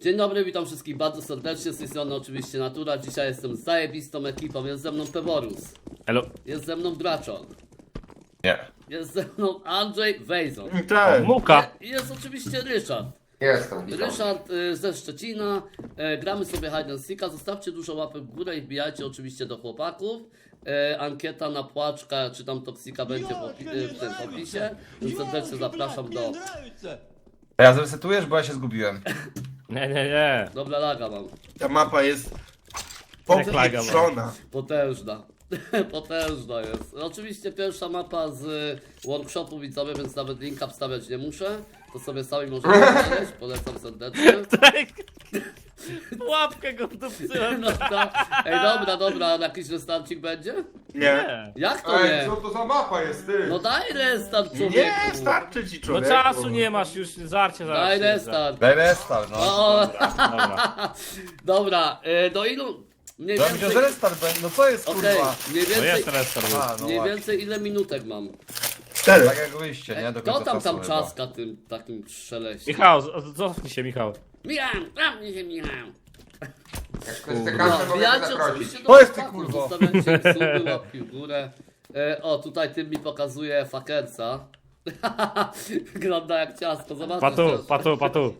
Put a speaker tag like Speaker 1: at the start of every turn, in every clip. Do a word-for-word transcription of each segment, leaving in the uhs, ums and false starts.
Speaker 1: Dzień dobry, witam wszystkich bardzo serdecznie, z tej strony oczywiście Natura. Dzisiaj jestem z zajebistą ekipą, jest ze mną Peworus.
Speaker 2: Elo.
Speaker 1: Jest ze mną Braczon.
Speaker 3: Nie.
Speaker 1: Jest ze mną Andrzej Wejzon.
Speaker 2: Cześć. Muka.
Speaker 1: I jest oczywiście Ryszard.
Speaker 4: Jestem, witam.
Speaker 1: Ryszard y, ze Szczecina. Y, gramy sobie hide and seeka. Zostawcie dużo łapek w górę i wbijajcie oczywiście do chłopaków. Y, ankieta na płaczka, czy tam toksika będzie w, opi- y, w tym opisie. Więc serdecznie zapraszam do...
Speaker 3: Ja zresetujesz, bo ja się zgubiłem.
Speaker 2: Nie, nie, nie.
Speaker 1: Dobra, laga mam.
Speaker 5: Ta mapa jest
Speaker 2: Jak laga ma.
Speaker 5: popieprzona.
Speaker 1: Potężna. Potężna jest. Oczywiście pierwsza mapa z workshopu widzowie, więc nawet linka wstawiać nie muszę. To sobie sami możecie znaleźć. Polecam serdecznie.
Speaker 2: Łapkę go wdupcyłem.
Speaker 1: No to, ej, dobra, dobra, jakiś restarcik będzie?
Speaker 5: Nie.
Speaker 1: Jak to
Speaker 4: Ej,
Speaker 1: nie?
Speaker 4: co to za mapa jest, ty?
Speaker 1: No daj restart, człowieku.
Speaker 5: Nie, starczy ci
Speaker 2: No
Speaker 5: człowieku.
Speaker 2: czasu nie masz już, żarcie zaraz.
Speaker 1: Daj
Speaker 2: się
Speaker 1: restart.
Speaker 3: Daj restart, no.
Speaker 1: O,
Speaker 2: Dobra.
Speaker 1: dobra, y, do ilu... Mniej
Speaker 3: Ja myślę, że
Speaker 1: więcej...
Speaker 3: restart będzie. No co jest
Speaker 1: Okej,
Speaker 3: kurwa?
Speaker 1: mniej
Speaker 2: No
Speaker 1: więcej...
Speaker 2: jest restart.
Speaker 3: A, no
Speaker 1: Mniej
Speaker 3: właśnie.
Speaker 1: więcej ile minutek mam?
Speaker 5: Cztery.
Speaker 3: Tak jak wyjście, nie? Do
Speaker 1: Kto
Speaker 3: końca
Speaker 1: tam
Speaker 3: czasu
Speaker 1: tam
Speaker 3: chyba.
Speaker 1: czaska tym takim szeleście?
Speaker 2: Michał, z- cofnij się, Michał.
Speaker 1: Michał, tam nie się Michał.
Speaker 4: Jak ktoś chce
Speaker 1: No,
Speaker 4: kasę, mogę
Speaker 1: wbijacie
Speaker 4: zaprosić.
Speaker 1: oczywiście do
Speaker 3: To jest ty,
Speaker 1: chłopaków,
Speaker 3: kurwo.
Speaker 1: zostawiacie suby, łapki w górę. E, o, tutaj tym mi pokazuje fakerca. Wygląda jak ciasto, zobaczcie.
Speaker 2: Patu, patu, patu.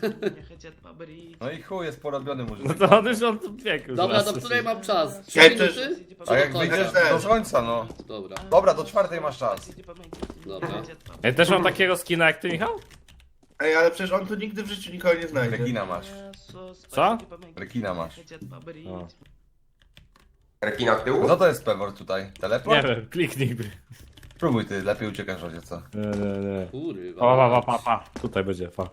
Speaker 3: No i chuj, jest porobiony
Speaker 2: No
Speaker 3: murzyn.
Speaker 2: to on już on tu biegł.
Speaker 1: Dobra,
Speaker 2: zaraz.
Speaker 1: do której mam czas? Trzy
Speaker 5: Ja też-
Speaker 1: minuty? Czy
Speaker 3: A
Speaker 1: do
Speaker 3: jak
Speaker 1: końca?
Speaker 3: wyjdziesz
Speaker 5: też.
Speaker 3: do końca, no.
Speaker 1: Dobra,
Speaker 3: Dobra, do czwartej masz czas.
Speaker 1: dobra.
Speaker 2: Ja też mam takiego skina jak ty, Michał?
Speaker 5: Ej, ale przecież on tu nigdy w życiu nikogo nie znajdzie.
Speaker 3: Rekina masz.
Speaker 2: Co?
Speaker 3: Rekina masz.
Speaker 2: O.
Speaker 4: Rekina w tyłu?
Speaker 3: Co to jest pewor tutaj? Teleport?
Speaker 2: Nie wiem, kliknij.
Speaker 3: Spróbuj ty, lepiej uciekasz razie co.
Speaker 2: Nie, nie, nie.
Speaker 1: Kurwa.
Speaker 2: Pa, pa, pa, pa, pa. Tutaj będzie, pa.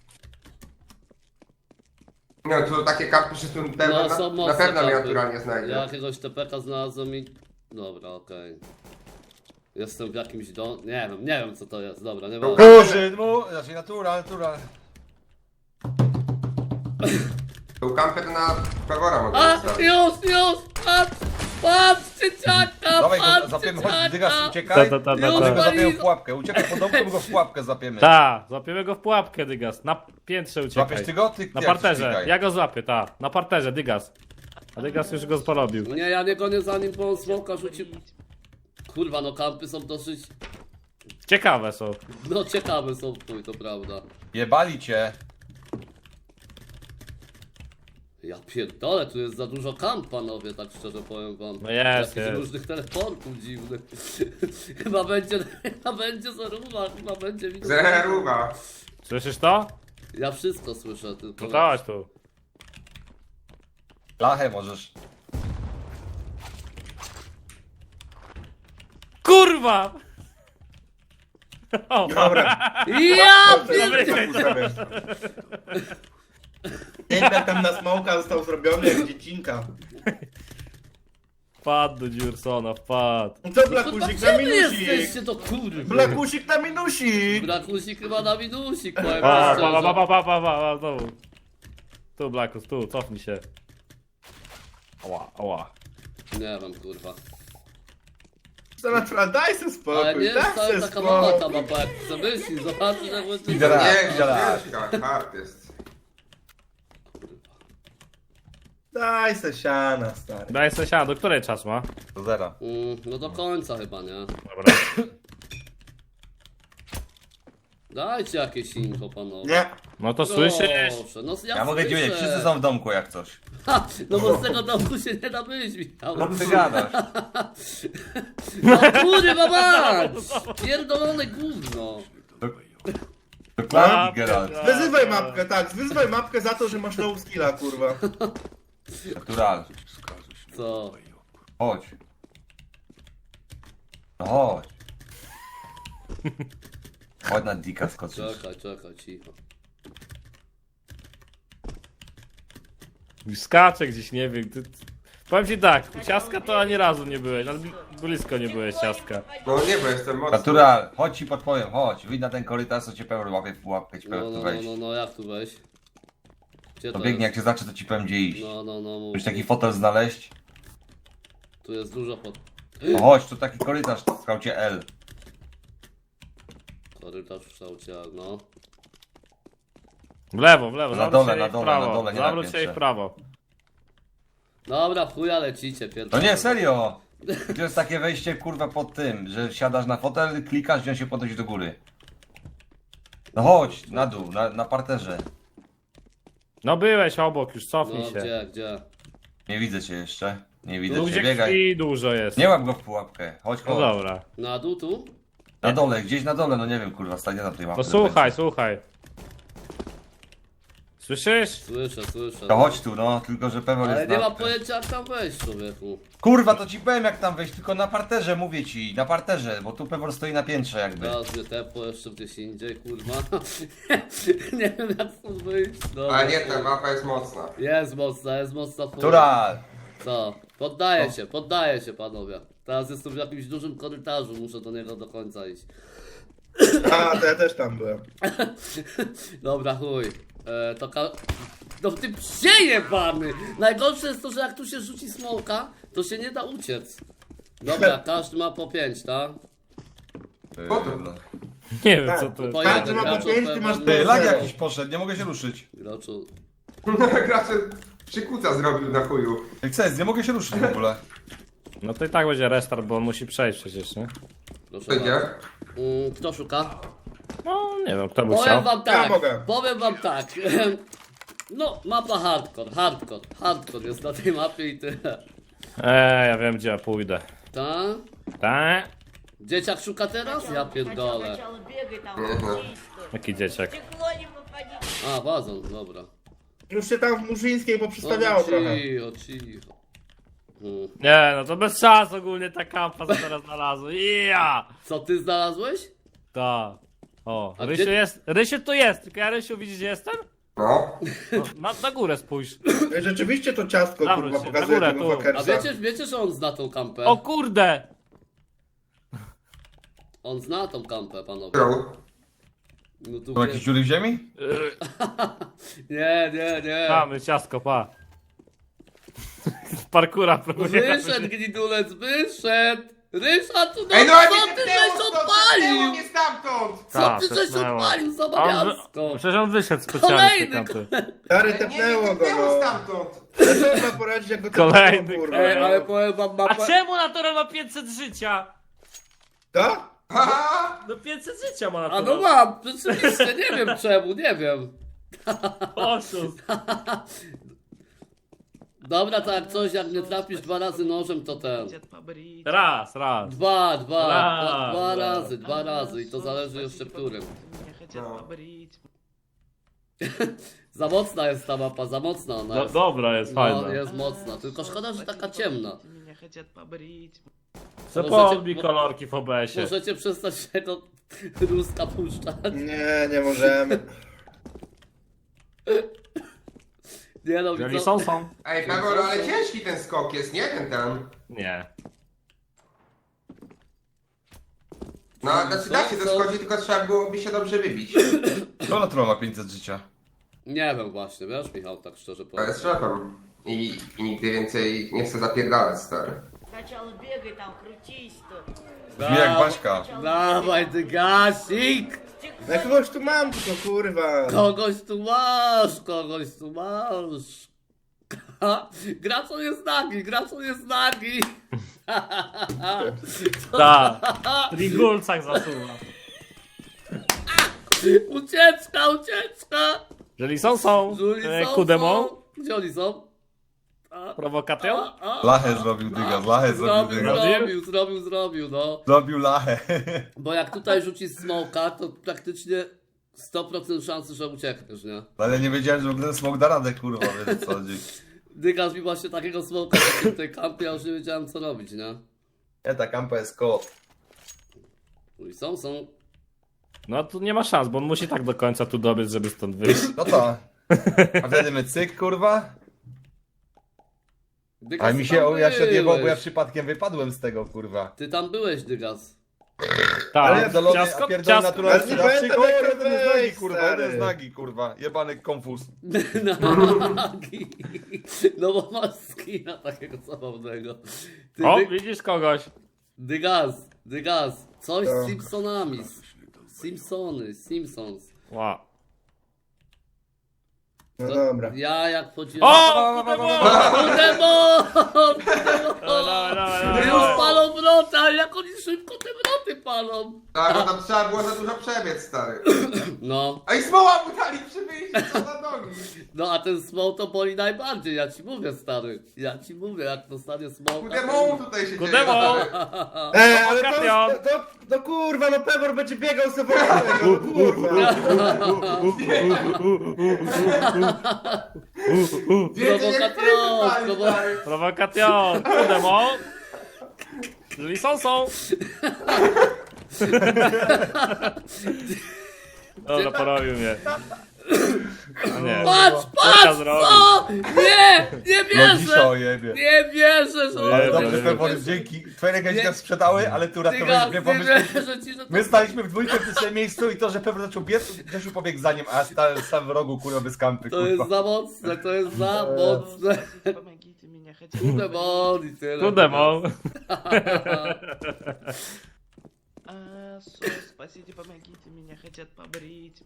Speaker 4: No tu takie karty się tu pewno,
Speaker 1: No,
Speaker 4: na,
Speaker 1: są
Speaker 4: na
Speaker 1: mocne
Speaker 4: pewno mnie
Speaker 1: karty.
Speaker 4: naturalnie znajdzie.
Speaker 1: Ja jakiegoś T P K znalazłem i... Dobra, okej. Jestem w jakimś dom... Nie wiem, nie wiem co to jest, dobra, nie wiem.
Speaker 3: Murzyn, mu... Znaczy natura, natura.
Speaker 4: Tu kamper na Pewora mogę
Speaker 1: A,
Speaker 4: zostawić.
Speaker 1: już, już, patrz, patrz, dzieciaka,
Speaker 3: Dawaj go,
Speaker 1: patrz,
Speaker 3: zapiemy, chodź, dygas,
Speaker 1: dzieciaka.
Speaker 2: Ta,
Speaker 3: uciekaj.
Speaker 2: ta, ta,
Speaker 1: Już
Speaker 2: ta,
Speaker 3: Chodź go
Speaker 2: ta.
Speaker 3: zapiemy w pułapkę. Uciekaj po domku, my go w pułapkę zapiemy.
Speaker 2: Ta, złapiemy go w pułapkę, Dygas. Na piętrze uciekaj.
Speaker 3: Złapiesz ty go? Ty
Speaker 2: Na
Speaker 3: jak
Speaker 2: parterze,
Speaker 3: uciekaj.
Speaker 2: ja go złapię, ta. Na parterze, Dygas. A Dygas już go porobił.
Speaker 1: Nie, ja nie gonię zanim po smoka rzucił. Kurwa, no kampy są dosyć,
Speaker 2: Ciekawe są.
Speaker 1: no ciekawe są, chuj, to prawda.
Speaker 3: Jebali cię.
Speaker 1: Ja pierdolę, tu jest za dużo kamp, panowie, tak szczerze powiem wam.
Speaker 2: No jest,
Speaker 1: Jakichś
Speaker 2: jest.
Speaker 1: różnych teleportów dziwnych. Chyba będzie, chyba będzie zaruba, chyba będzie widać.
Speaker 4: Zeruwa.
Speaker 2: Słyszysz to?
Speaker 1: Ja wszystko słyszę, tylko...
Speaker 2: No dawaj tu.
Speaker 3: Lachę możesz.
Speaker 2: Kurwa! O,
Speaker 5: Dobra.
Speaker 1: Ja
Speaker 5: Dobry
Speaker 1: pierdolę!
Speaker 5: Jeden tam na smoka został zrobiony jak dziecinka.
Speaker 2: wpadł do Dziursona, wpadł.
Speaker 5: Co Blakusik
Speaker 1: Gdzie
Speaker 5: na
Speaker 1: wy
Speaker 5: minusik?
Speaker 1: jesteście, to kurwa?
Speaker 5: Blakusik na minusik!
Speaker 1: Brakusik chyba na minusik, powiem
Speaker 2: Pa,
Speaker 1: szczerze.
Speaker 2: pa, pa, pa, pa, pa, pa, pa, znowu. Tu, Blackus, tu, cofnij się. Ała, ała.
Speaker 1: Nie wiem, kurwa.
Speaker 5: Co natural, daj se
Speaker 1: Ale
Speaker 5: spokój,
Speaker 1: nie
Speaker 5: daj
Speaker 1: jest wcale
Speaker 5: se
Speaker 1: taka mała ta
Speaker 5: spokój.
Speaker 1: mapa, jak chce myśli, zobaczcie jak łysy.
Speaker 3: Idę raz,
Speaker 4: Nie,
Speaker 3: idę raz.
Speaker 4: ciężka, hard jest.
Speaker 5: Daj se siana, stary.
Speaker 2: Daj sesiana, do której czas ma?
Speaker 3: Do zera.
Speaker 1: Mm, no do końca chyba, nie?
Speaker 2: Dobra.
Speaker 1: Dajcie jakieś info, panowie.
Speaker 5: Nie.
Speaker 2: No to słyszysz?
Speaker 1: Proszę, no ja
Speaker 3: Ja mogę ci
Speaker 1: słyszę.
Speaker 3: powiedzieć, wszyscy są w domku jak coś.
Speaker 1: Ha, no bo z tego domku się nie da wyjść, Michał.
Speaker 3: No ty gadasz.
Speaker 1: No kurwa mać! Pierdolone gówno.
Speaker 3: Dokładnie, Geralt.
Speaker 5: Wyzywaj mapkę, tak, wyzywaj mapkę za to, że masz low skilla, kurwa.
Speaker 3: Natural.
Speaker 1: Co?
Speaker 3: Chodź. No chodź. Chodź na dika skoczysz.
Speaker 1: Czekaj, czekaj, cicho.
Speaker 2: Skacze gdzieś, nie wiem. Ty... Powiem ci tak, u ciastka to ani razu nie byłeś, nawet blisko nie byłeś ciastka.
Speaker 4: No nie, bo jestem mocny.
Speaker 3: Natural, chodź ci podpowiem, chodź. Wyjdź na ten korytarz, co cię pełen łapie w pułapkę, ci
Speaker 1: No,
Speaker 3: powiem
Speaker 1: no,
Speaker 3: tu
Speaker 1: no,
Speaker 3: wejść.
Speaker 1: no, no, jak tu wejść? Gdzie
Speaker 3: To
Speaker 1: to
Speaker 3: biegnie, jak
Speaker 1: jest?
Speaker 3: cię zacznie, to ci powiem gdzie iść.
Speaker 1: No, no, no, mów.
Speaker 3: Musisz taki fotel znaleźć.
Speaker 1: Tu jest dużo pod...
Speaker 3: No chodź, tu taki korytarz w skaucie L.
Speaker 1: Korytarz w kształcie, no.
Speaker 2: W lewo, w lewo,
Speaker 3: Na
Speaker 2: zawróć
Speaker 3: dole,
Speaker 2: się
Speaker 3: na
Speaker 2: i w
Speaker 3: dole,
Speaker 2: prawo.
Speaker 3: na dole, nie na
Speaker 2: Zawróć się i
Speaker 3: piętrze.
Speaker 2: w prawo.
Speaker 1: Dobra, w chuja lecicie, pierdolę.
Speaker 3: No nie, serio! To jest takie wejście kurwa pod tym, że siadasz na fotel, klikasz i on się podnosi do góry. No chodź, na dół, na, na parterze.
Speaker 2: No byłeś obok, już cofnij
Speaker 1: No
Speaker 2: się.
Speaker 1: gdzie, gdzie?
Speaker 3: Nie widzę cię jeszcze. Nie widzę
Speaker 2: Tu
Speaker 3: cię,
Speaker 2: gdzie
Speaker 3: biegaj.
Speaker 2: krwi dużo jest.
Speaker 3: Nie łap go w pułapkę. Chodź,
Speaker 2: No
Speaker 3: chodź.
Speaker 2: dobra.
Speaker 1: Na dół tu?
Speaker 3: Na dole, gdzieś na dole, no nie wiem kurwa, stanie na tej łapce.
Speaker 2: No słuchaj, słuchaj. Słyszysz?
Speaker 1: Słyszę, słyszę.
Speaker 3: To chodź tu, no, tylko że pewnie
Speaker 1: Ale
Speaker 3: jest
Speaker 1: nie
Speaker 3: na...
Speaker 1: ma pojęcia jak tam wejść, człowieku.
Speaker 3: Kurwa, to ci powiem jak tam wejść, tylko na parterze mówię ci, na parterze, bo tu pewnie stoi na piętrze jakby.
Speaker 1: Teraz mnie tepło jeszcze gdzieś indziej, kurwa. Nie wiem jak stąd wyjść. Dobra.
Speaker 4: Ale nie, ta mapa jest mocna.
Speaker 1: Jest mocna, jest mocna fura.
Speaker 3: Która?
Speaker 1: Co? Poddaję się, poddaję się panowie. Teraz jestem w jakimś dużym korytarzu, muszę do niego do końca iść.
Speaker 5: A, to ja też tam byłem.
Speaker 1: Dobra, chuj. E, to ka... No ty psie jebany! Najgorsze jest to, że jak tu się rzuci smoka, to się nie da uciec. Dobra, każdy ma po pięć, tak?
Speaker 3: Yy,
Speaker 4: Po to.
Speaker 3: no.
Speaker 2: Nie wiem
Speaker 5: Tak.
Speaker 2: co to jest.
Speaker 1: Po
Speaker 5: Każdy
Speaker 1: jeden
Speaker 5: ma po
Speaker 1: gracz
Speaker 5: pięć, ty
Speaker 1: od
Speaker 5: masz
Speaker 1: pewnie-
Speaker 3: Ty, lag
Speaker 5: Zero.
Speaker 3: jakiś poszedł, nie mogę się ruszyć.
Speaker 1: Graczu...
Speaker 4: Gracze przykuca zrobił na chuju.
Speaker 3: Jak chcesz, nie mogę się ruszyć w ogóle.
Speaker 2: No to i tak będzie restart, bo on musi przejść przecież, nie?
Speaker 1: Proszę
Speaker 4: Będzie?
Speaker 1: bardzo. Mm, kto szuka?
Speaker 2: No nie wiem, kto by
Speaker 1: Powiem
Speaker 2: chciał.
Speaker 1: wam tak,
Speaker 5: Ja mogę.
Speaker 1: powiem wam tak. No, mapa hardcore, hardcore, hardcore jest na tej mapie i tyle.
Speaker 2: Eee, ja wiem gdzie ja pójdę.
Speaker 1: Ta?
Speaker 2: Tak?
Speaker 1: Dzieciak szuka teraz? Ja pierdolę.
Speaker 6: Сначала бегай там,
Speaker 4: Мгм.
Speaker 6: крутись, что.
Speaker 2: Jaki dzieciak.
Speaker 6: Стекло не попади.
Speaker 1: A, wazon, dobra.
Speaker 5: Już się tam w Murzyńskiej poprzestawiało
Speaker 1: No,
Speaker 5: trochę.
Speaker 1: cicho, cicho. Hmm.
Speaker 2: Nie, no to bez szans ogólnie ta kampa co teraz znalazła. Ja!
Speaker 1: Co ty znalazłeś?
Speaker 2: Ta. O,
Speaker 1: A
Speaker 2: Rysiu
Speaker 1: gdzie-
Speaker 2: jest, Rysiu tu jest, tylko ja Rysiu widzisz gdzie jestem?
Speaker 4: No.
Speaker 2: No, na, na górę spójrz.
Speaker 5: Rzeczywiście to ciastko
Speaker 2: Zawróć
Speaker 5: kurwa
Speaker 2: się,
Speaker 5: pokazuje
Speaker 2: na górę,
Speaker 5: tego
Speaker 2: tu.
Speaker 1: A
Speaker 5: Fakersa.
Speaker 1: wiecie, wiecie, że on zna tą kampę?
Speaker 2: O kurde!
Speaker 1: On zna tą kampę, panowie.
Speaker 4: Którą?
Speaker 1: No tu
Speaker 3: Są jakieś
Speaker 1: wie...
Speaker 3: dziury w ziemi?
Speaker 1: Nie, nie, nie.
Speaker 2: Mamy ciastko, pa. Parkura próbuję.
Speaker 1: Wyszedł gnidulec, wyszedł! Ryszard, tu no,
Speaker 4: Ej, no ale
Speaker 1: co
Speaker 4: nie
Speaker 1: ty
Speaker 4: tepnęło
Speaker 1: żeś
Speaker 4: stąd,
Speaker 1: odpalił?
Speaker 4: tepnęło mnie stamtąd!
Speaker 1: Co
Speaker 2: Ta,
Speaker 1: ty żeś
Speaker 2: tepnęło.
Speaker 1: odpalił za
Speaker 2: On,
Speaker 1: bawiasko?
Speaker 2: przecież on wyszedł specjalnie z tej
Speaker 1: Kolejny,
Speaker 2: kampy.
Speaker 5: Stary,
Speaker 4: Nie, nie
Speaker 5: tepnęło go,
Speaker 4: tepnęło
Speaker 5: no.
Speaker 4: stamtąd!
Speaker 5: Ale co można poradzić, jak go
Speaker 2: Kolejny,
Speaker 5: tepnęło, kurwa,
Speaker 1: Ej, ale
Speaker 5: no.
Speaker 1: powiem wam
Speaker 2: A
Speaker 1: mapę...
Speaker 2: czemu Natural ma pięćset życia?
Speaker 5: Co?
Speaker 4: Haha!
Speaker 2: No pięćset życia ma
Speaker 1: A
Speaker 2: Natural.
Speaker 1: no mam, rzeczywiście, nie wiem czemu, nie wiem.
Speaker 2: Oszust.
Speaker 1: Dobra, to jak coś, jak nie trafisz dwa razy nożem, to ten.
Speaker 2: Raz, raz.
Speaker 1: Dwa, dwa,
Speaker 2: Raz,
Speaker 1: dwa, dwa
Speaker 2: raz.
Speaker 1: razy, dwa razy i to zależy jeszcze którym.
Speaker 4: No.
Speaker 1: Za mocna jest ta mapa, za mocna ona
Speaker 2: Do,
Speaker 1: jest.
Speaker 2: dobra, jest
Speaker 1: No,
Speaker 2: fajna.
Speaker 1: jest mocna, tylko szkoda, że taka ciemna.
Speaker 2: Co
Speaker 1: Możecie-
Speaker 2: podbij kolorki w O B S-ie.
Speaker 1: Możecie przestać tego ruska puszczać.
Speaker 5: Nie, nie możemy.
Speaker 1: Nie no,
Speaker 2: Jeżeli
Speaker 1: co-
Speaker 2: są, są.
Speaker 4: Ej, Pewor, ale ciężki ten skok jest, nie? Ten tam.
Speaker 2: Nie.
Speaker 4: No, znaczy da się
Speaker 1: Co?
Speaker 4: doskoczyć, tylko trzeba byłoby się dobrze wybić.
Speaker 3: To natural ma pięćset życia.
Speaker 1: Nie wiem właśnie, wiesz Michał, tak szczerze
Speaker 4: To
Speaker 1: powiem.
Speaker 4: jest szefem. I, I nigdy więcej nie chcę zapierdalać, stary.
Speaker 6: Сначала бегай там, крутись, что.
Speaker 3: Brzmi jak Baśka.
Speaker 1: Dawaj ty gasik!
Speaker 5: Ja kogoś tu mam, tylko kurwa.
Speaker 1: Kogoś tu masz, kogoś tu masz. Gracol jest nagi, gracol jest nagi.
Speaker 2: Tak. W Trigulcach zasuwa.
Speaker 1: Ucieczka, ucieczka!
Speaker 2: Jeżeli są, są.
Speaker 1: Żuli
Speaker 2: E,
Speaker 1: są,
Speaker 2: Kudemą.
Speaker 1: są. Gdzie oni są? A,
Speaker 2: Prowokacją.
Speaker 1: a, a.
Speaker 3: Lachę zrobił dyga, lachę zrobił
Speaker 1: Zrobił,
Speaker 3: dyga.
Speaker 1: zrobił, zrobił, zrobił, no.
Speaker 3: Zrobił lachę.
Speaker 1: Bo jak tutaj rzuci smoka, to praktycznie sto procent szansy, że uciekniesz, nie?
Speaker 3: Ale nie wiedziałem, że w ogóle ten smok da radę, kurwa, wiesz o co chodzi.
Speaker 1: Dygasz mi właśnie takiego smoka w tej kampie, ja już nie wiedziałem co robić, nie?
Speaker 3: Nie, ta kampa jest kot.
Speaker 1: I są, są.
Speaker 2: No tu nie ma szans, bo on musi tak do końca tu dobiec, żeby stąd wyjść.
Speaker 3: No to. A wtedy my cyk, kurwa.
Speaker 1: Dygas,
Speaker 3: A
Speaker 1: ty
Speaker 3: mi się,
Speaker 1: tam
Speaker 3: o, ja się odjebał, bo ja
Speaker 1: byłeś.
Speaker 3: przypadkiem wypadłem z tego, kurwa.
Speaker 1: Ty tam byłeś, Dygas.
Speaker 3: Ale
Speaker 2: Tak.
Speaker 3: pierdolony, a
Speaker 2: Ciastko,
Speaker 3: pierdolony
Speaker 2: ciastko.
Speaker 3: naturalny
Speaker 5: Ale nie
Speaker 3: sprzedawczyk.
Speaker 5: pamiętam,
Speaker 3: O,
Speaker 5: jak
Speaker 3: jeden z nagi,
Speaker 5: wejść,
Speaker 3: kurwa,
Speaker 5: stary.
Speaker 3: jeden z nagi, kurwa. Jebany konfuz.
Speaker 1: Nagi. No bo masz skina takiego zabawnego. Ty,
Speaker 2: O,
Speaker 1: Dy...
Speaker 2: widzisz kogoś.
Speaker 1: Dygas, Dygas, coś z
Speaker 5: Tak.
Speaker 1: Simpsonami. Simpsony, Simpsons.
Speaker 2: Wow.
Speaker 5: No dobra.
Speaker 1: Ja jak wchodziłem...
Speaker 2: O! Kudemon!
Speaker 1: Kudemon!
Speaker 2: Dawaj, dawaj, dawaj,
Speaker 1: Już
Speaker 2: dawaj.
Speaker 1: palą wrota, ale jak oni szybko te wroty palą.
Speaker 4: Tak, bo tam trzeba było za dużo przebiec, stary.
Speaker 1: No,
Speaker 4: A i smoła mu dali przy wyjściu, co za nogi.
Speaker 1: no a ten small to boli najbardziej, ja ci mówię, stary. Ja ci mówię, jak dostanie small.
Speaker 4: Kudemon tutaj się
Speaker 2: Kudemon!
Speaker 4: dzieje.
Speaker 5: Ej, ale
Speaker 2: Kation.
Speaker 5: to, to, to kurwa, no Pebor będzie biegał sobie no kurwa.
Speaker 4: Więcej jak
Speaker 1: Prowokation,
Speaker 4: Freddy
Speaker 1: prowo-
Speaker 4: stary.
Speaker 2: Prowokation! Kudemon! Jeżeli są, są! Dobra, porobił mnie. A nie.
Speaker 1: Patrz,
Speaker 2: Co
Speaker 1: patrz,
Speaker 2: zrobił?
Speaker 1: co? Nie, nie
Speaker 3: Logisza
Speaker 1: wierzę.
Speaker 3: ojebie.
Speaker 1: Nie wierzę, że...
Speaker 3: Ale
Speaker 2: Nie,
Speaker 3: dobrze,
Speaker 2: nie, nie.
Speaker 3: Pebor, dzięki. Twoje rękawiczki
Speaker 1: Nie.
Speaker 3: nas sprzedały, ale ty uratowałeś
Speaker 1: Tyga,
Speaker 3: mnie,
Speaker 1: nie
Speaker 3: bo my,
Speaker 1: wierzę ci, że to...
Speaker 3: my staliśmy w dwójkę w tym samym miejscu i to, że Pebor zaczął biec, Grzesiu pobiegł za nim, a ja stałem sam w rogu, kurwa, bez kampy,
Speaker 1: To
Speaker 3: kurwa.
Speaker 1: jest za mocne, to jest za mocne.
Speaker 6: Помогите меня хотя
Speaker 1: Kudemon i tyle.
Speaker 2: Kudemon!
Speaker 6: А, сос, спасите, помогите, меня хотят побрить.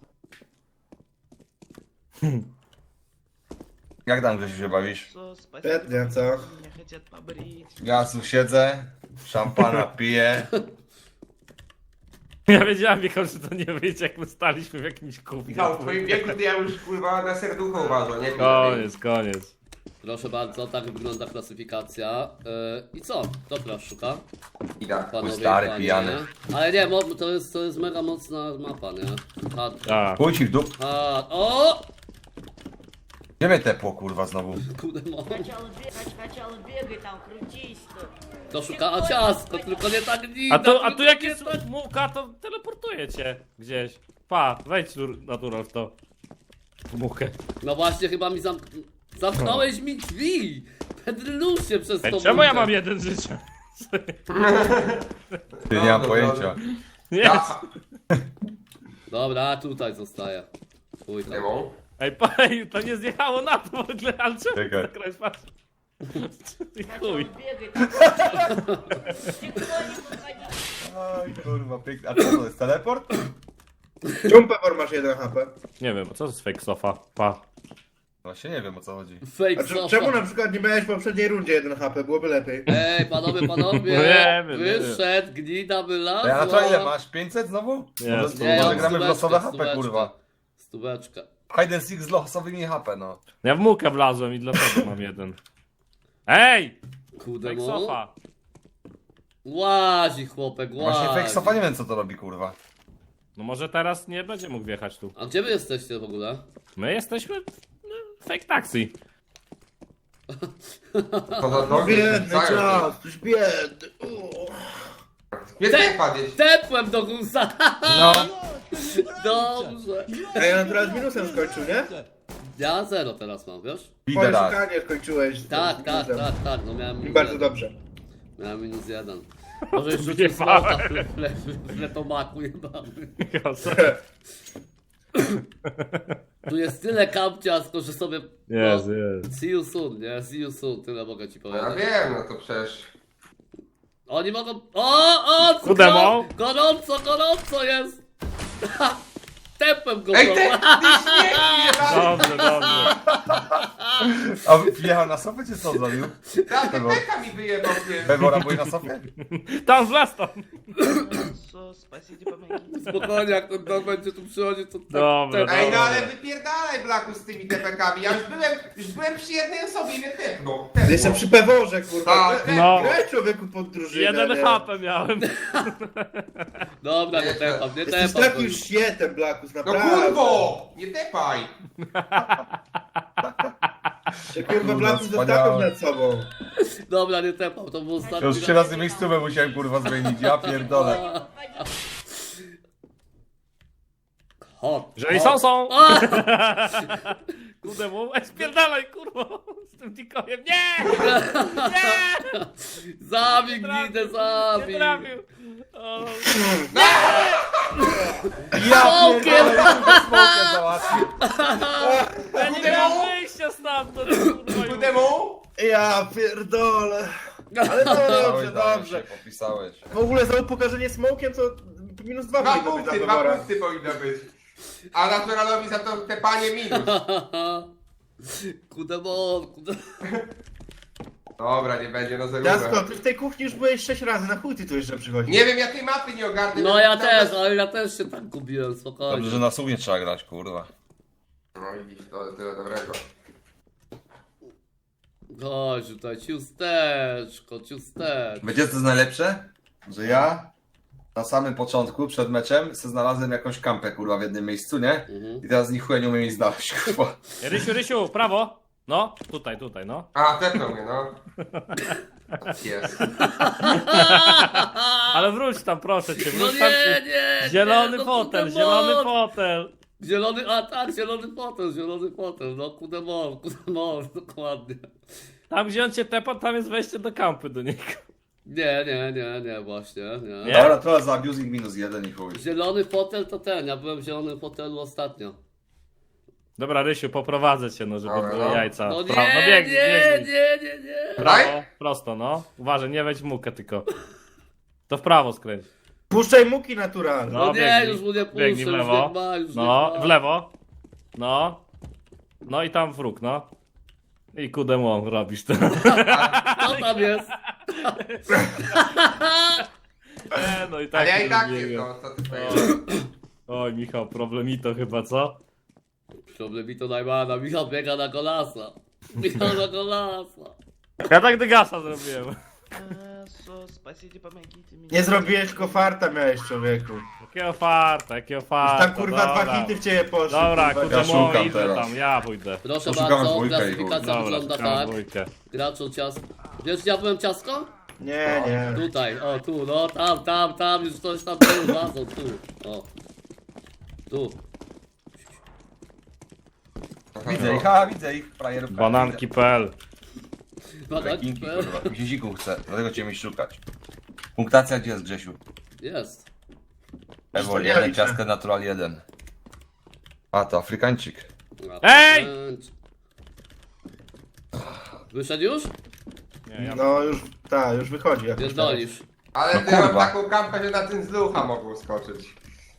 Speaker 3: Jak tam, Grzesiu, się bawisz?
Speaker 6: Сос, спасите,
Speaker 5: Świetnie, co?
Speaker 6: меня хотят побрить.
Speaker 3: Ja tu siedzę, szampana piję.
Speaker 2: Ja wiedziałem, Michał, że to nie wyjdzie, jak my staliśmy w jakimś kubie.
Speaker 4: Michał, w twoim wieku to ja już kurwa na serducho uważam, nie?
Speaker 2: Koniec, koniec.
Speaker 1: Proszę bardzo, tak wygląda klasyfikacja. Yy, I co? Kto teraz szuka?
Speaker 4: Ida.
Speaker 1: Panowie i
Speaker 3: stary,
Speaker 1: panie.
Speaker 3: pijany.
Speaker 1: Ale nie, mo- to jest, to jest mega mocna mapa, nie? Hard.
Speaker 2: Tak.
Speaker 3: Pójdź ci w dup.
Speaker 1: Hard. O!
Speaker 3: Gdzie mnie tepło, kurwa, znowu?
Speaker 1: Kudemon.
Speaker 6: Сначала бегай, сначала бегай там, крутись тут.
Speaker 1: To szuka, a ciastko, tylko nie tak nigdy.
Speaker 2: A tu, a tu jak jest mułka, to teleportuje cię gdzieś. Pa, wejdź tu natural w to. W muchę.
Speaker 1: No właśnie, chyba mi zamk... zamknąłeś mi drzwi. Pedrylusie przez
Speaker 2: Ej,
Speaker 1: to.
Speaker 2: czemu ja
Speaker 1: muchę.
Speaker 2: mam jeden życia?
Speaker 3: Ty nie mam
Speaker 4: Dobra,
Speaker 3: pojęcia.
Speaker 2: Jest.
Speaker 4: Ja.
Speaker 1: Dobra, tutaj zostaję. Chuj tam.
Speaker 4: Kudemon.
Speaker 2: Ej, pa, ej, to nie zjechało na to w ogóle, ale czemu
Speaker 3: Czekaj.
Speaker 2: zakręć, patrz. I
Speaker 6: Сначала
Speaker 2: chuj.
Speaker 6: бегай там. Никто не подходи.
Speaker 3: Oj, kurwa, pięknie. A co to jest, teleport?
Speaker 5: Czemu Pebor masz jeden H P?
Speaker 2: Nie wiem, co to jest fake sofa? Pa.
Speaker 3: Właśnie nie wiem, o co chodzi.
Speaker 1: Fake
Speaker 5: A
Speaker 1: sofa.
Speaker 5: c- czemu na przykład nie miałeś w poprzedniej rundzie jeden H P? Byłoby lepiej.
Speaker 1: Ej, panowie, panowie,
Speaker 2: No nie wiem, nie wiem.
Speaker 1: wyszedł, gnida wylazła.
Speaker 3: Ej, a to ile masz? pięćset znowu?
Speaker 2: Nie,
Speaker 3: Może,
Speaker 2: stu-
Speaker 1: Nie,
Speaker 3: może
Speaker 1: mam
Speaker 3: gramy w
Speaker 1: stóweczkę,
Speaker 3: losowe H P,
Speaker 1: stóweczkę.
Speaker 3: kurwa.
Speaker 1: Stóweczka.
Speaker 3: Hide and seek z losowymi H P, no.
Speaker 2: Ja w mułkę wlazłem i dlatego mam jeden. Ej!
Speaker 1: Kurde,
Speaker 2: Fake
Speaker 1: no.
Speaker 2: sofa.
Speaker 1: Łazi chłopek, łazi.
Speaker 3: Właśnie fake sofa nie wiem, co to robi, kurwa.
Speaker 2: No może teraz nie będzie mógł wjechać tu.
Speaker 1: A gdzie wy jesteście w ogóle?
Speaker 2: My jesteśmy no, fake taxi.
Speaker 4: To za nogi.
Speaker 5: Biedny
Speaker 4: wrzucają.
Speaker 5: czas, już biedny. Uuu.
Speaker 4: Nie
Speaker 1: Te-
Speaker 4: padać.
Speaker 1: Tepłem do gusa.
Speaker 3: No.
Speaker 1: Dobrze.
Speaker 5: Ej, on teraz minusem skończył, nie?
Speaker 1: Ja zero teraz mam, wiesz?
Speaker 5: Twoje
Speaker 3: Liderak.
Speaker 5: szukanie skończyłeś. z
Speaker 1: Tak,
Speaker 5: tym
Speaker 1: tak,
Speaker 5: minusem.
Speaker 1: tak, tak, no miałem
Speaker 5: I
Speaker 1: minus
Speaker 5: bardzo
Speaker 1: jeden.
Speaker 5: dobrze.
Speaker 1: Miałem minus jeden. Może już rzucić
Speaker 2: Wyjebałem.
Speaker 1: smoka w, w, w, w letomaku jebany.
Speaker 2: Michał, co?
Speaker 1: Tu jest tyle kapciasko, że sobie...
Speaker 2: Jest,
Speaker 1: no,
Speaker 2: jest.
Speaker 1: See you soon, nie? See you soon, tyle mogę ci
Speaker 4: No ja
Speaker 1: powiedzieć.
Speaker 4: wiem, no to przecież.
Speaker 1: Oni mogą... O, o,
Speaker 2: Kudemo?
Speaker 1: go- gorąco, gorąco jest! Tepłem go,
Speaker 4: Ej,
Speaker 1: go.
Speaker 4: ty, ty śmieci jebany!
Speaker 2: Dobrze, dobrze.
Speaker 3: A wjechał na sofę, czy co zrobił?
Speaker 4: Ta tepeka mi wyjebał, nie?
Speaker 3: Pebora, byłeś na sofie?
Speaker 2: Tam wlazł tam.
Speaker 6: Сос, спасите, помогите.
Speaker 1: Spokojnie, jak ten dog będzie tu przychodzić, to...
Speaker 2: Dobra,
Speaker 1: tak-
Speaker 4: Ej, no
Speaker 2: dobra.
Speaker 4: ale wypierdalaj Blaku z tymi tepekami. Ja już byłem, już byłem przy jednej osobie i mnie tepnął.
Speaker 5: Jeszcze przy Peworze, kurwa.
Speaker 4: Tak,
Speaker 5: Graj-
Speaker 2: no.
Speaker 5: Graj człowieku pod drużynę.
Speaker 2: Jeden
Speaker 5: nie?
Speaker 2: H P miałem.
Speaker 1: Dobra, nie
Speaker 4: Nie,
Speaker 1: tepam, nie
Speaker 5: Jesteś
Speaker 1: tepam.
Speaker 5: takim świetem, Blakus,
Speaker 4: No
Speaker 5: naprawdę.
Speaker 4: kurwo! Nie tepaj!
Speaker 5: Się kurwa
Speaker 3: Kurwa,
Speaker 5: Blakus
Speaker 3: wspaniałe.
Speaker 5: dostawił nad sobą.
Speaker 1: Dobra, nie tepam, to był ostatni
Speaker 3: Już trzy
Speaker 1: raz.
Speaker 3: razy miejscówę musiałem, kurwa, zmienić. Ja pierdolę.
Speaker 1: Chodź.
Speaker 2: Jeżeli są, są.
Speaker 1: A!
Speaker 2: Kurde, mu. Ej, spierdalaj, kurwa. Z tym tikojem. Nie! Nie!
Speaker 1: Zabij
Speaker 2: Nie trafił,
Speaker 1: gnidę,
Speaker 2: Nie
Speaker 1: zabij.
Speaker 2: trafił. O,
Speaker 3: Ja
Speaker 1: Smokiem!
Speaker 3: pierdolę, kurwa, smokiem załatwił.
Speaker 2: ja nie miałem wyjścia stamtąd, kurwa. już.
Speaker 4: Kudemu?
Speaker 5: Ja pierdolę. Ale dobrze,
Speaker 3: Dałeś, dałeś
Speaker 5: dobrze.
Speaker 3: się, popisałeś.
Speaker 5: W ogóle za upokarzenie smokiem to minus dwa
Speaker 4: Dwa
Speaker 5: powinno być
Speaker 4: punkty,
Speaker 5: dla
Speaker 4: dwa
Speaker 5: Pebora.
Speaker 4: punkty powinno być. A naturalowi za to tepanie minus.
Speaker 1: Kudemon, kudemon.
Speaker 4: Dobra, nie będzie, no
Speaker 5: Ciastko,
Speaker 4: zagrałem.
Speaker 5: ty w tej kuchni już byłeś sześć razy, na chuj ty tu jeszcze przychodzisz?
Speaker 4: Nie wiem, ja tej mapy nie ogarnę.
Speaker 1: No ja
Speaker 4: nawet-
Speaker 1: też, ale ja też się tak gubiłem, spokojnie.
Speaker 3: Dobrze, że na słów nie trzeba grać, kurwa.
Speaker 4: No widzisz, to tyle dobrego.
Speaker 1: Chodź tutaj, ciusteczko, ciusteczko.
Speaker 3: Wiecie co jest najlepsze? Że ja na samym początku, przed meczem, se znalazłem jakąś kampę, kurwa, w jednym miejscu, nie?
Speaker 1: Mhm.
Speaker 3: I teraz ni chuja nie umiem jej znaleźć, kurwa.
Speaker 2: Rysiu, Rysiu, w prawo. No, tutaj, tutaj, no.
Speaker 4: A, tepnął mnie, no. Jest.
Speaker 2: Ale wróć tam, proszę cię,
Speaker 1: No
Speaker 2: wróć tam.
Speaker 1: nie, nie,
Speaker 2: Zielony
Speaker 1: nie, no
Speaker 2: fotel,
Speaker 1: kudemon.
Speaker 2: zielony fotel.
Speaker 1: Zielony, a tak, zielony fotel, zielony fotel, no kudemon, kudemon, dokładnie.
Speaker 2: Tam gdzie on cię tepa, tam jest wejście do kampy do niego.
Speaker 1: Nie, nie, nie, nie, właśnie, nie.
Speaker 2: Nie?
Speaker 3: Dobra, trochę za abusing minus jeden i chuj.
Speaker 1: Zielony fotel to ten, ja byłem w zielonym fotelu ostatnio.
Speaker 2: Dobra, Rysiu, poprowadzę cię, no, żeby
Speaker 4: Dobra,
Speaker 2: były
Speaker 4: no.
Speaker 2: jajca.
Speaker 1: No
Speaker 2: Prawo,
Speaker 1: nie,
Speaker 2: no biegnij,
Speaker 1: nie,
Speaker 2: biegnij.
Speaker 1: nie, nie, nie.
Speaker 2: Prawo, prosto, no. Uważaj, nie wejdź w mukę tylko. To w prawo skręć.
Speaker 5: Puszczaj muki naturalne.
Speaker 1: No nie,
Speaker 2: biegnij.
Speaker 1: już mu nie puszczę,
Speaker 2: Biegnij w
Speaker 1: już
Speaker 2: lewo.
Speaker 1: nie ma, już
Speaker 2: No,
Speaker 1: nie ma.
Speaker 2: w lewo. No. No i tam wróg, no. I kudemon robisz to.
Speaker 1: Co tam jest?
Speaker 2: Nie, no i tak.
Speaker 4: Ale ja i tak
Speaker 2: nie
Speaker 4: nie
Speaker 2: wiem.
Speaker 4: to, co ty powiedziałeś.
Speaker 2: Oj, Michał, problemito chyba, co?
Speaker 1: Problem to najmana, Michał biega na golasa. Michał na golasa.
Speaker 2: Ja tak dygasa zrobiłem.
Speaker 6: А, со, спасите, помогите мне.
Speaker 5: Nie zrobiłeś tylko farta miałeś, człowieku.
Speaker 2: Jakie farta, jakie
Speaker 5: Już
Speaker 2: farta.
Speaker 5: tam kurwa dwa
Speaker 2: dobra.
Speaker 5: hity w ciebie poszły.
Speaker 2: Dobra,
Speaker 5: kurwa.
Speaker 3: Ja
Speaker 2: kudemon,
Speaker 3: szukam
Speaker 2: idę
Speaker 3: teraz.
Speaker 2: tam, ja pójdę.
Speaker 1: Proszę
Speaker 3: Poszukamy
Speaker 1: bardzo,
Speaker 3: dwójkę i
Speaker 1: klasyfikacja
Speaker 2: Dobra,
Speaker 1: wygląda
Speaker 2: szukam
Speaker 1: tak.
Speaker 2: dwójkę.
Speaker 1: Graczu ciasko. Wiesz, gdzie ja byłem ciasko?
Speaker 5: Nie, nie.
Speaker 1: Tutaj, o tu, no tam, tam, tam, już coś tam był, wazą, tu, o. Tu.
Speaker 3: Widzę ich, a widzę ich, frajerów.
Speaker 2: Bananki kropka p l.
Speaker 1: Bananki,
Speaker 3: Rekinki, kurwa. Guziku chcę, dlatego cię mi szukać. Punktacja gdzie jest, Grzesiu?
Speaker 1: jest.
Speaker 3: Ewol
Speaker 5: nie
Speaker 3: jeden,
Speaker 5: liczę.
Speaker 3: ciastkę natural jeden. A, to Afrykańczyk.
Speaker 2: Ej!
Speaker 1: Wyszedł już?
Speaker 2: Nie, ja...
Speaker 5: No już, tak, już wychodzi jakoś.
Speaker 1: Pierdolisz.
Speaker 4: Ale
Speaker 3: No
Speaker 4: ty mam
Speaker 3: kurwa.
Speaker 4: taką kampę, że na ten zlucha mogą skoczyć.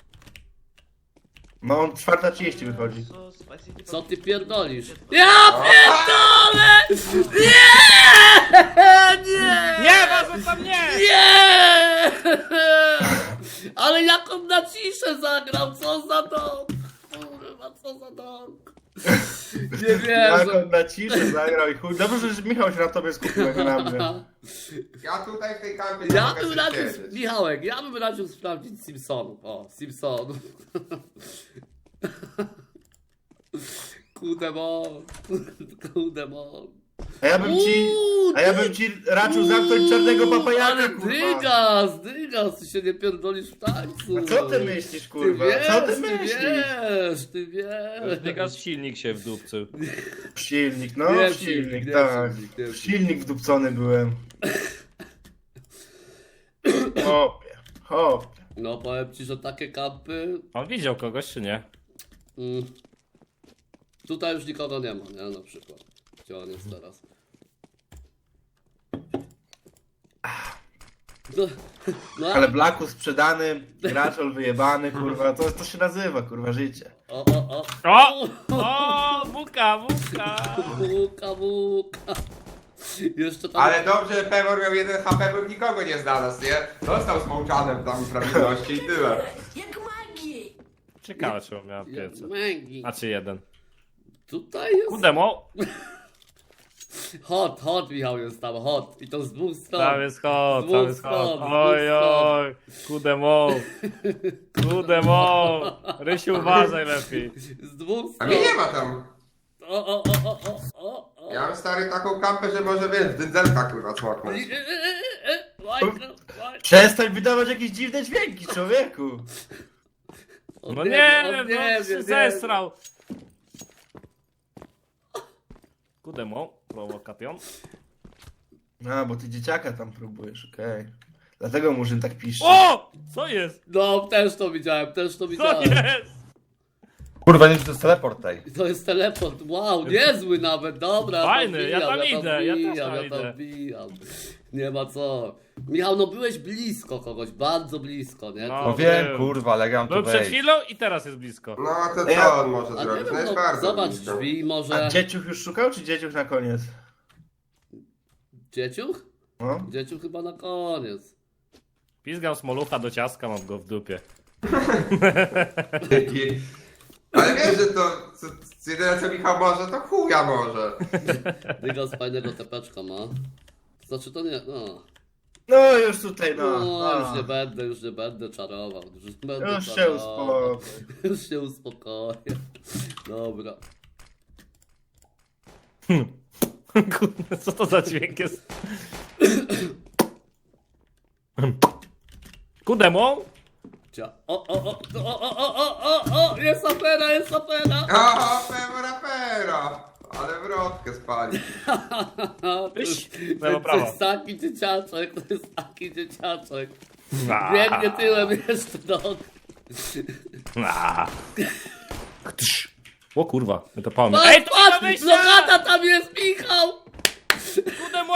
Speaker 5: No on czwarta trzydzieści wychodzi.
Speaker 6: Со, спасите,
Speaker 1: Co ty
Speaker 6: помогите
Speaker 1: pierdolisz?
Speaker 6: мне.
Speaker 1: Ja pierdolę! Nie! Nie!
Speaker 2: Nie, was tam nie!
Speaker 1: Nie! Ale jak on na ciszę zagrał, co za dom? Kurwa, co za dom? Nie
Speaker 5: Jak
Speaker 1: wierzę.
Speaker 5: on na ciszę zagrał i chuj. Dobrze, że Michał się na tobie skupił, jak na mnie.
Speaker 4: Ja tutaj w tej kampie nie
Speaker 1: Ja
Speaker 4: mogę
Speaker 1: bym
Speaker 4: sobie
Speaker 1: radził,
Speaker 4: siedzieć.
Speaker 1: Michałek, ja bym radził sprawdzić Simpsonów. O, Simpsonów. Kudemon, kudemon.
Speaker 5: A ja bym ci, a ja bym ci raczył zamknąć czarnego papajaka,
Speaker 1: Ale
Speaker 5: kurwa.
Speaker 1: dygas, dygas, ty się nie pierdolisz w tańcu.
Speaker 5: A co ty myślisz,
Speaker 1: Ty
Speaker 5: kurwa?
Speaker 1: wiesz,
Speaker 5: Co ty
Speaker 1: ty
Speaker 5: myślisz?
Speaker 1: wiesz, ty wiesz.
Speaker 2: Dygas silnik się w dupcu.
Speaker 5: Silnik, no
Speaker 1: Nie,
Speaker 5: silnik,
Speaker 1: silnik, nie,
Speaker 5: tak.
Speaker 1: silnik, nie,
Speaker 5: W silnik wdupcony byłem. Hopie, hopie.
Speaker 1: No powiem ci, że takie kampy...
Speaker 2: On widział kogoś, czy nie?
Speaker 1: Mm, tutaj już nikogo nie ma, nie? Na przykład. Gdzie on jest teraz? No, no
Speaker 5: Ale Blacku sprzedany, graczol wyjebany, kurwa, to, to się nazywa, kurwa, życie.
Speaker 1: O, o, o.
Speaker 2: O! O! Buka, buka!
Speaker 1: Buka, buka. Jeszcze tam...
Speaker 4: Ale dobrze, że Pewor miał jeden H P, bym nikogo nie znalazł, nie? Został z mołczanem tam prawidłowości i tyle.
Speaker 7: Jak magii!
Speaker 2: Ciekawe, czy on miał piece.
Speaker 1: Mangi.
Speaker 2: A czy jeden?
Speaker 1: Tutaj jest...
Speaker 2: Kudemo!
Speaker 1: Hot, hot Michał jest tam, hot. I to z dwóch stron.
Speaker 2: Tam jest hot, tam jest hot.
Speaker 1: Dwóch stron,
Speaker 2: Oj,
Speaker 1: dwóch stron.
Speaker 2: oj, kudemo! Kudemo! Rysiu, uważaj lepiej.
Speaker 1: Z dwóch
Speaker 4: A
Speaker 1: stron.
Speaker 4: mnie nie ma tam.
Speaker 1: O, o, o, o, o, o, o.
Speaker 4: Ja mam stary taką kampę, że może wiesz, dędzelka kurwa cmoknąć.
Speaker 1: E, e, e, e, Minecraft, Minecraft.
Speaker 5: Przestań wydawać jakieś dziwne dźwięki, człowieku.
Speaker 1: On
Speaker 2: No
Speaker 1: wie,
Speaker 2: nie
Speaker 1: on
Speaker 2: wiem,
Speaker 1: wie,
Speaker 2: no
Speaker 1: wie,
Speaker 2: się
Speaker 1: wie.
Speaker 2: zesrał. Kudemo, prowokation.
Speaker 5: No, bo ty dzieciaka tam próbujesz, okej. Dlatego Murzyn tak pisze.
Speaker 2: O! Co jest?
Speaker 1: No, też to widziałem, też to
Speaker 2: Co
Speaker 1: widziałem.
Speaker 2: jest?
Speaker 3: Kurwa, nie wiem, czy to jest teleport tej.
Speaker 1: To jest teleport, wow, niezły nawet, dobra.
Speaker 2: Fajny, ja
Speaker 1: wbijam,
Speaker 2: tam idę, ja też
Speaker 1: wbijam,
Speaker 2: tam
Speaker 1: ja tam
Speaker 2: idę.
Speaker 1: wbijam. Nie ma co. Michał, no byłeś blisko kogoś, bardzo blisko, nie?
Speaker 2: No.
Speaker 3: No wiem, kurwa, ale gram tu
Speaker 2: Był przed
Speaker 3: wejść.
Speaker 2: chwilą i teraz jest blisko.
Speaker 4: No to
Speaker 5: Ja-
Speaker 4: co on może
Speaker 1: A nie
Speaker 4: zrobić? No
Speaker 1: wiem,
Speaker 4: jest
Speaker 1: no,
Speaker 4: bardzo
Speaker 1: zobacz
Speaker 4: blisko.
Speaker 1: drzwi,
Speaker 5: A
Speaker 1: może...
Speaker 5: dzieciuch już szukał, czy dzieciuch na koniec?
Speaker 1: Dzieciuch?
Speaker 5: No.
Speaker 1: Dzieciuch chyba na koniec.
Speaker 2: Pizgam smolucha do ciastka, mam go w dupie.
Speaker 4: Dzięki. Ale wiesz, że to co, co jedyne co Michał może, to chuja może.
Speaker 1: Dygas fajnego tepeczka ma. Znaczy to nie, no.
Speaker 5: No już tutaj, no.
Speaker 1: No,
Speaker 5: no.
Speaker 1: już nie będę, już nie będę czarował. Już, nie będę
Speaker 5: Już się
Speaker 1: czarował.
Speaker 5: uspokój.
Speaker 1: Już się uspokoję. Dobra.
Speaker 2: Kurde, co to za dźwięk jest? Kudemo?
Speaker 1: Cia. O, o, o, o, o, o, o, o, o, jest afera, jest afera.
Speaker 4: O, pewora, pero. Ale wrotkę spali.
Speaker 1: To
Speaker 2: Iś,
Speaker 1: jest,
Speaker 2: lewo,
Speaker 1: to
Speaker 2: prawo.
Speaker 1: jest taki dzieciaczek, to jest taki dzieciaczek.
Speaker 2: A,
Speaker 1: Biegnie tyłem jeszcze do...
Speaker 2: a. Ktsz. O kurwa, my to pałamy.
Speaker 1: Patrz,
Speaker 2: Ej, to nie ma
Speaker 1: patrz,
Speaker 2: wyjścia!
Speaker 1: blokada tam jest, Michał!
Speaker 2: Kudemo!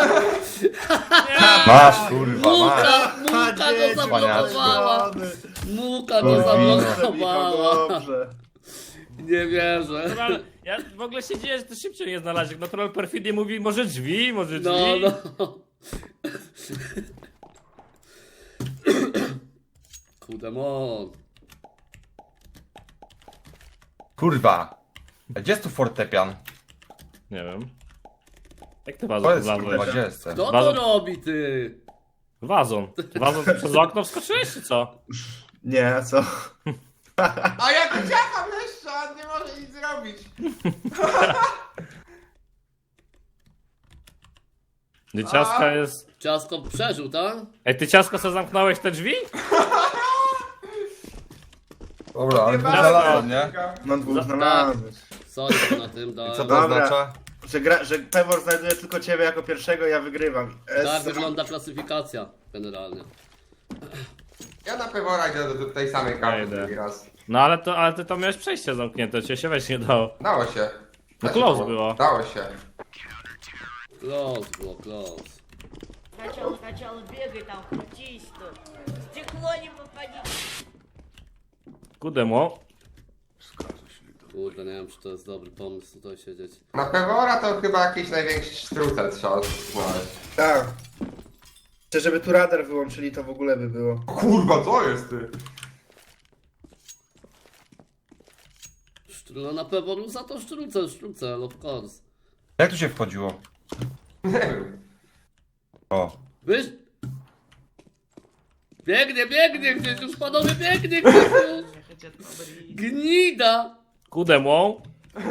Speaker 3: Masz, kurwa, masz.
Speaker 1: Muka, muka go
Speaker 5: dzieci,
Speaker 1: zablokowała.
Speaker 5: panie.
Speaker 1: Muka go
Speaker 3: Dobrze,
Speaker 5: Michał,
Speaker 1: zablokowała.
Speaker 5: dobrze.
Speaker 1: Nie wierzę.
Speaker 2: Natural, ja w ogóle się dzieje, że to szybciej nie znalazłeś. Natural perfidnie mówi, może drzwi, może drzwi.
Speaker 1: No, no. Kudemon.
Speaker 3: Kurwa. A gdzie jest tu fortepian?
Speaker 2: Nie wiem. Jak ty
Speaker 3: To
Speaker 2: wazon
Speaker 3: jest, kurwa,
Speaker 2: wlazłeś?
Speaker 3: gdzie jest ten?
Speaker 1: Kto to
Speaker 2: Bazon.
Speaker 1: robi, ty?
Speaker 2: Wazon. Wazon to przez okno wskoczyłeś, czy co?
Speaker 5: Nie, a co?
Speaker 4: A ja tu ciacham jeszcze, a on nie może nic zrobić.
Speaker 2: Ty ciastka jest...
Speaker 1: Ciasko przeżył, tak?
Speaker 2: Ej, ty ciasko co zamknąłeś te drzwi?
Speaker 3: Dobra, ale
Speaker 4: Nie
Speaker 3: tu
Speaker 4: bardzo.
Speaker 3: znalazłem, nie?
Speaker 5: No dwóch
Speaker 1: Za-
Speaker 5: znalazłeś.
Speaker 1: Sorry, że na tym
Speaker 3: I
Speaker 1: dałem.
Speaker 3: co to
Speaker 5: Dobra.
Speaker 3: oznacza?
Speaker 5: Że, gra, że Pewor znajduje tylko ciebie jako pierwszego, ja wygrywam. Es-
Speaker 1: Tak wygląda klasyfikacja generalnie.
Speaker 4: Ja na pewora idę do tej samej
Speaker 2: Ja
Speaker 4: karty
Speaker 2: idę.
Speaker 4: drugi raz.
Speaker 2: No ale to, ale ty to miałeś przejście zamknięte, cię się weź nie dało.
Speaker 4: Dało się.
Speaker 2: No
Speaker 4: Da się
Speaker 2: close było.
Speaker 4: Dało się.
Speaker 1: Close było, close.
Speaker 7: Сначала, сначала бегай там, крутись тут. Стекло не попади.
Speaker 2: Kudemo.
Speaker 1: Kurde, nie wiem, czy to jest dobry pomysł tutaj siedzieć.
Speaker 4: Na pewora to chyba jakiś największy sztrucel trzeba znaleźć.
Speaker 5: Tak. Czy żeby tu radar wyłączyli, to w ogóle by było.
Speaker 4: Kurwa, co jest ty?
Speaker 1: Szcz- No na pewno za to sztrucel, sztrucel, of course.
Speaker 3: Jak tu się wchodziło?
Speaker 4: Nie wiem.
Speaker 3: O.
Speaker 1: Wiesz? Biegnie, biegnie gdzieś, już panowie biegnie gdzieś już.
Speaker 6: Меня хотят побрить.
Speaker 1: Gnida!
Speaker 2: Kudemo.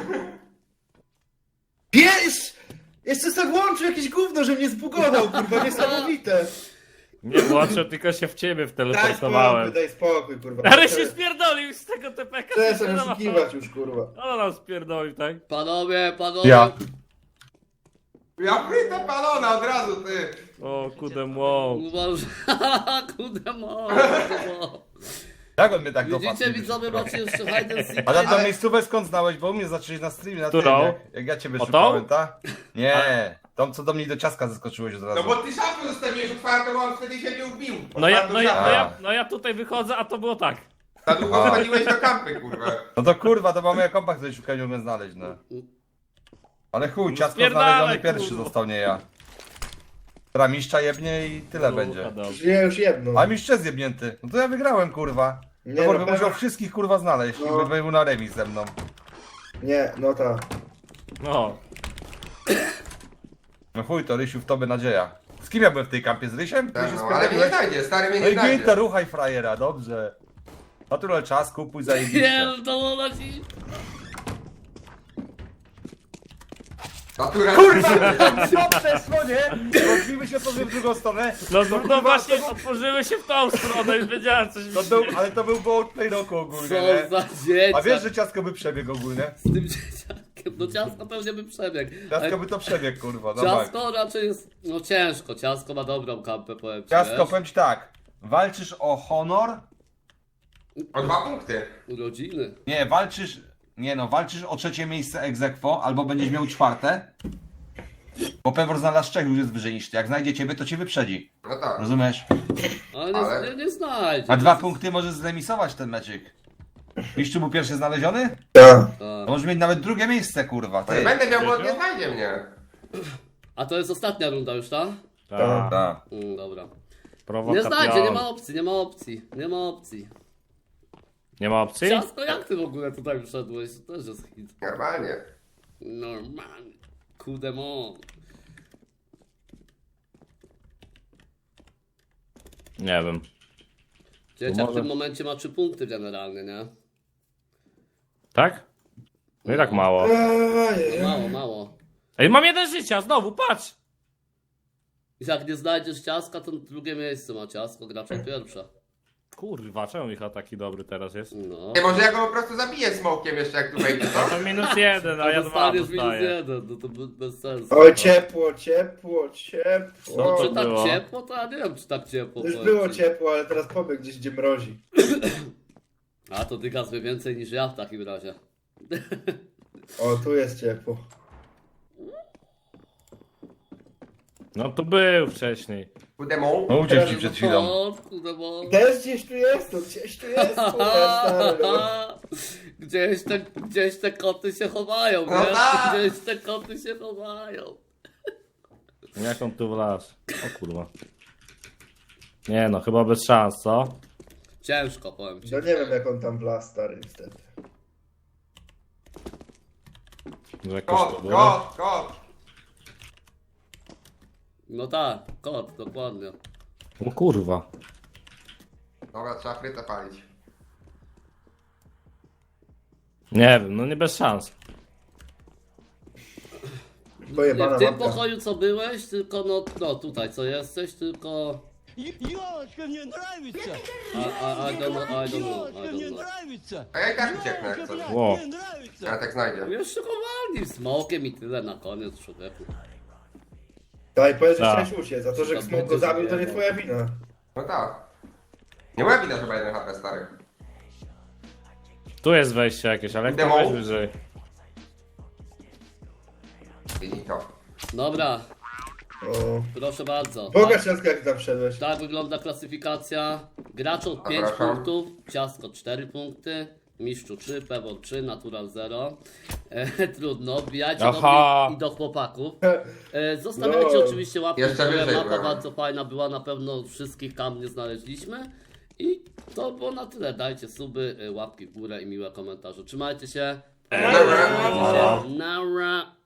Speaker 5: Pies! Jeszcze tak włączył jakieś gówno, że mnie zbugował, kurwa, niesamowite.
Speaker 2: Nie włączę, tylko się w ciebie
Speaker 5: Daj spokój,
Speaker 2: wteleportowałem.
Speaker 5: daj spokój, kurwa.
Speaker 2: Ale się spierdolił z tego T P K.
Speaker 5: Przestań oszukiwać już, kurwa.
Speaker 2: No nam spierdolił, tak?
Speaker 1: Panowie, panowie.
Speaker 3: Ja.
Speaker 4: Ja prytę palona od razu, ty.
Speaker 2: O, kudemo.
Speaker 1: Uważaj, kudemo, kudemo.
Speaker 3: Jak on mnie tak dopadł?
Speaker 1: Widzicie, widzowie, macie jeszcze hide and seek.
Speaker 3: A tam tą
Speaker 4: Ale-
Speaker 3: miejscówę skąd znałeś? Bo u mnie zaczęli na streamie na
Speaker 2: Którą?
Speaker 3: tym, jak, jak ja ciebie
Speaker 2: O tą?
Speaker 3: szukałem, tak? Nie, tą co do mnie do ciaska zaskoczyłeś od razu.
Speaker 4: No bo ty szafę zostawiłeś otwartą, bo on wtedy się nie ubił.
Speaker 2: No ja,
Speaker 4: Otwartą
Speaker 2: no, ja,
Speaker 4: szafę.
Speaker 2: no, ja, no ja tutaj wychodzę, a to było tak.
Speaker 4: Za długo wchodziłeś do kampy, kurwa.
Speaker 3: No to kurwa, to mamy kompak, który szukałem, nie umiem znaleźć, no. Ale chuj, ciasko
Speaker 2: Spierdalaj,
Speaker 3: znaleziony pierwszy
Speaker 2: kurwa.
Speaker 3: został, nie ja. Która mistrza jebnie i tyle będzie.
Speaker 2: Kurwa, dobrze.
Speaker 5: Ja już jedno.
Speaker 3: A mistrz jest jebnięty. No to ja wygrałem, kurwa.
Speaker 5: Nie,
Speaker 3: Nie,
Speaker 5: no,
Speaker 3: no, bym
Speaker 5: pewnie-
Speaker 3: musiał wszystkich kurwa znaleźć
Speaker 5: No.
Speaker 3: i by był na remis ze mną.
Speaker 5: Nie, no tak.
Speaker 2: No.
Speaker 3: No chuj, to Rysiu w tobie nadzieja. Z kim ja byłem w tej kampie? Z Rysiem?
Speaker 4: Tak,
Speaker 3: Rysiu
Speaker 4: no, ale mnie nie
Speaker 3: spierdoliłeś?
Speaker 4: znajdzie, stary mnie
Speaker 3: No
Speaker 4: nie
Speaker 3: i git, to
Speaker 4: znajdzie.
Speaker 3: ruchaj frajera, dobrze. Natural czas, kupuj zajebiście.
Speaker 1: Pierdolona ci.
Speaker 4: Natura...
Speaker 3: Co przeszło, nie? Rozbiły się otworzyły w drugą stronę.
Speaker 2: No, no, no właśnie, otworzyły się w tą stronę, już wiedziałem coś mi
Speaker 3: To
Speaker 2: się...
Speaker 3: był, ale to był bołtnej roku ogólnie,
Speaker 1: Co
Speaker 3: nie?
Speaker 1: za dzieciak.
Speaker 3: A wiesz, że ciasko by przebiegł ogólnie?
Speaker 1: Z tym dzieciakiem, no ciasko pewnie by przebiegł.
Speaker 3: Ciasko
Speaker 1: Ale
Speaker 3: by to przebiegł, kurwa, no tak.
Speaker 1: ciasko raczej jest, no ciężko, ciasko ma dobrą kampę, powiem ci,
Speaker 3: Ciasko,
Speaker 1: wiesz?
Speaker 3: powiem ci tak. Walczysz o honor?
Speaker 4: O dwa punkty.
Speaker 1: Urodziny.
Speaker 3: Nie, walczysz... Nie no, walczysz o trzecie miejsce ex aequo, albo będziesz miał czwarte. Bo Pewor znalazł trzech, już jest wyżej niż ty. Jak znajdzie ciebie, to cię wyprzedzi.
Speaker 4: No tak.
Speaker 3: Rozumiesz?
Speaker 1: Ale nie,
Speaker 4: Ale-
Speaker 1: nie, nie znajdzie.
Speaker 3: A dwa punkty możesz zremisować ten meczyk. Mistrzu był pierwszy znaleziony?
Speaker 5: Tak.
Speaker 1: Tak.
Speaker 3: To możesz mieć nawet drugie miejsce, kurwa.
Speaker 4: No nie
Speaker 3: Ty.
Speaker 4: będę miał, bo nie znajdzie mnie.
Speaker 1: A to jest ostatnia runda już, tak?
Speaker 2: Tak.
Speaker 3: Tak.
Speaker 1: Mm, dobra. Nie
Speaker 2: Prowokacja.
Speaker 1: znajdzie, nie ma opcji, nie ma opcji, nie ma opcji.
Speaker 2: Nie ma opcji?
Speaker 1: Ciasko, jak ty w ogóle tutaj wszedłeś? To też jest hit.
Speaker 4: Normalnie.
Speaker 1: Normalnie. Kudemon.
Speaker 2: Nie wiem.
Speaker 1: Dzieciak w
Speaker 2: może-
Speaker 1: tym momencie ma trzy punkty generalnie, nie?
Speaker 2: Tak? No i tak mało.
Speaker 5: Ojej.
Speaker 1: Mało, mało.
Speaker 2: Ej, mam jeden życia, znowu, patrz!
Speaker 1: I jak nie znajdziesz ciaska, to drugie miejsce ma ciasko, gracza pierwsza.
Speaker 2: Kurwa, czemu Michał taki dobry teraz jest?
Speaker 1: No.
Speaker 4: Nie, może ja go po prostu zabiję smokiem jeszcze jak tu wejdzie, co?
Speaker 2: To minus jeden, a
Speaker 1: To
Speaker 2: ja dwa
Speaker 1: dostaniesz minus
Speaker 2: dostaję.
Speaker 1: jeden, no to be- bez sensu.
Speaker 5: Oj, ciepło, ciepło,
Speaker 1: No,
Speaker 5: ciepło.
Speaker 1: czy
Speaker 2: to
Speaker 1: tak
Speaker 2: było?
Speaker 1: ciepło, to ja nie wiem, czy tak ciepło.
Speaker 5: Już
Speaker 1: powiem
Speaker 5: było
Speaker 1: ci.
Speaker 5: ciepło, ale teraz pobiegł gdzieś, gdzie mrozi.
Speaker 1: A to ty gaz wie więcej niż ja w takim razie.
Speaker 5: O, tu jest ciepło.
Speaker 2: No tu był wcześniej.
Speaker 4: Kudemon.
Speaker 3: No uciekł ci przed chwilą.
Speaker 1: O, kudemon.
Speaker 5: Też gdzieś tu jest, no gdzieś tu jest, kurwa, stary. no.
Speaker 1: Gdzieś te, gdzieś te koty się chowają,
Speaker 4: No
Speaker 1: nie?
Speaker 4: tak.
Speaker 1: Gdzieś te koty się chowają.
Speaker 2: Jak on tu wlazł? O kurwa. Nie no, chyba bez szans, co?
Speaker 1: Ciężko, powiem ci.
Speaker 5: No nie wiem, jak on tam wlazł, stary, niestety.
Speaker 2: Że jakoś
Speaker 4: Kot,
Speaker 2: to było.
Speaker 4: kot, kot.
Speaker 1: No tak, kot, dokładnie.
Speaker 2: O kurwa.
Speaker 4: Dobra, trzeba frytę palić.
Speaker 2: Nie wiem, no nie bez szans.
Speaker 1: Nie,
Speaker 5: Pojebana
Speaker 1: w tym
Speaker 5: mapka.
Speaker 1: pokoju co byłeś, tylko no, no tutaj co jesteś, tylko...
Speaker 8: Ёлочка, мне нравится!
Speaker 1: I, I, I don't know, I don't know,
Speaker 8: Ёлочка,
Speaker 1: I
Speaker 8: мне
Speaker 1: don't know.
Speaker 8: нравится!
Speaker 4: A ja i tak ucieknę jak
Speaker 8: Ёлка,
Speaker 4: coś.
Speaker 8: блядь,
Speaker 2: Во.
Speaker 8: мне нравится!
Speaker 4: Ja tak znajdzie.
Speaker 1: Jeszcze chowali smokiem i tyle na koniec, człowieku.
Speaker 5: Daj, powiedz, że
Speaker 2: Tak.
Speaker 5: chciałeś uciec, a to, że
Speaker 1: To
Speaker 5: Smok go
Speaker 1: będzie
Speaker 5: zabił, to nie
Speaker 1: zajebał.
Speaker 5: twoja wina.
Speaker 4: No tak. Nie moja wina, że ma jeden H P stary.
Speaker 2: Tu jest wejście jakieś, ale jak to
Speaker 4: Demo.
Speaker 2: wejść wyżej?
Speaker 4: Widzi to.
Speaker 1: Dobra,
Speaker 5: O.
Speaker 1: proszę bardzo.
Speaker 5: Pokaż ciasko, jak tam wszedłeś.
Speaker 1: Tak wygląda klasyfikacja. Gracz od pięć
Speaker 4: Zapraszam.
Speaker 1: punktów, ciasko cztery punkty, mistrzu trzy, pewor trzy, natural zero. E, trudno, wbijajcie do
Speaker 2: Aha.
Speaker 1: mnie i do chłopaków. E, zostawiajcie
Speaker 5: No.
Speaker 1: oczywiście łapki w
Speaker 4: Jeszcze
Speaker 1: górę,
Speaker 4: wyżej
Speaker 1: mapa
Speaker 4: byłem.
Speaker 1: bardzo fajna była, na pewno wszystkich tam nie znaleźliśmy. I to było na tyle, dajcie suby, e, łapki w górę i miłe komentarze. Trzymajcie się.
Speaker 4: Dobra.
Speaker 1: Trzymajcie się. Nara.